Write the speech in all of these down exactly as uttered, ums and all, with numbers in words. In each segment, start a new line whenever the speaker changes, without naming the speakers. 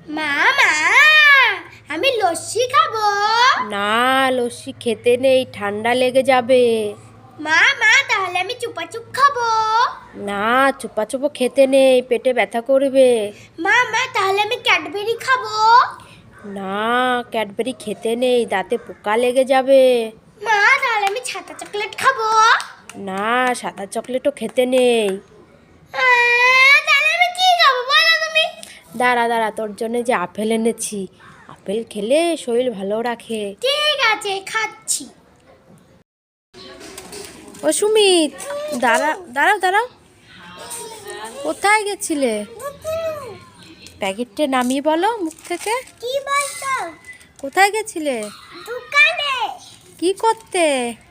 মা মা আমি লস্যি খাবো।
না, লস্যি খেতে নেই, ঠান্ডা লেগে যাবে।
মা মা তাহলে আমি চুপাচুপ খাবো।
না, চুপা চুপো খেতে নেই, পেটে ব্যথা করবে।
মা মা তাহলে আমি ক্যাডবেরি খাবো।
না, ক্যাডবেরি খেতে নেই, দাঁতে পোকা লেগে যাবে।
মা তাহলে আমি ছাতা চকলেট খাবো।
না, সাদা চকলেটও খেতে নেই।
আহ, তাহলে আমি কি খাবো বলো তুমি?
দাঁড়া দাঁড়া, তোর জন্য যে আপেল এনেছি, আপেল খেলে শরীর ভালো রাখে।
ঠিক আছে খাচ্ছি।
ও সুমিত, দাঁড়া দাঁড়াও দাঁড়াও, কোথায় গেছিলে? প্যাকেটটা নামিয়ে বলো মুখ থেকে।
কি বলছো?
কোথায় গেছিলে?
দোকানে।
কি করতে?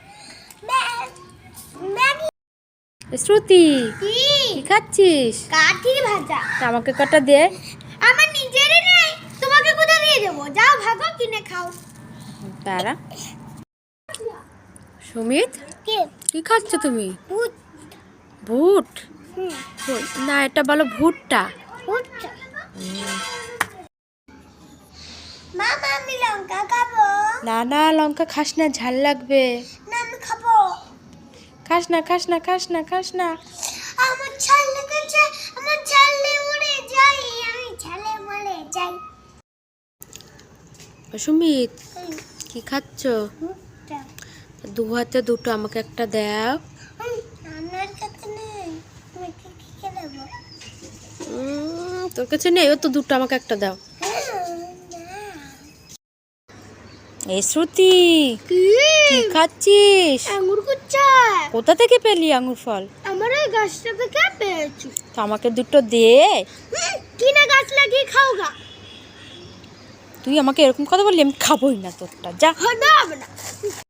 ম্যাগি।
শ্রুতি,
কি?
কি খাচ্ছিস?
কাঠি ভাজা।
তা আমাকে কটা দে।
আমার নিজেরই নেই, তোমাকে কোথা দিয়ে দেবো? যাও ভাগো কিনে খাও।
দাঁড়া। সুমিত,
কে?
কি খাচ্ছ তুমি?
ভূত।
ভুট?
হুম,
ভুট? না, এটা বলো ভুট্টা।
ভূত। মামা আমি লঙ্কা খাবো।
না না, লঙ্কা খাস না, ঝাল লাগবে।
না আমি খাবো।
খাস না খাস না খাস না খাস না।
আমার ছাল লেগেছে, আমার ছালে উড়ে যাই, আমি ছালে মরে যাই।
ও সুমিত,
হুম,
কি খাচ্ছ?
ভূতটা।
দু হাতে দুটো, আমাকে একটা দাও।
হুম, আমার কাছে নেই, তুমি কি কি খেলাবো?
উম, তোর কাছে নেই, ও তো দুটো, আমাকে একটা দাও। এই শ্রুতি,
কি?
কি খাচ্ছিস?
আঙ্গুর কুচ্চা।
কোথা থেকে পেলি আঙুর ফল?
আমার ওই গাছটা থেকে পেয়েছি।
তো আমাকে দুটো দে।
হুম, কিনা গাছ লাগিয়ে খাও গা।
তুই আমাকে এরকম কথা বললি, আমি খাবোই না তোরটা, যা।
হবে না।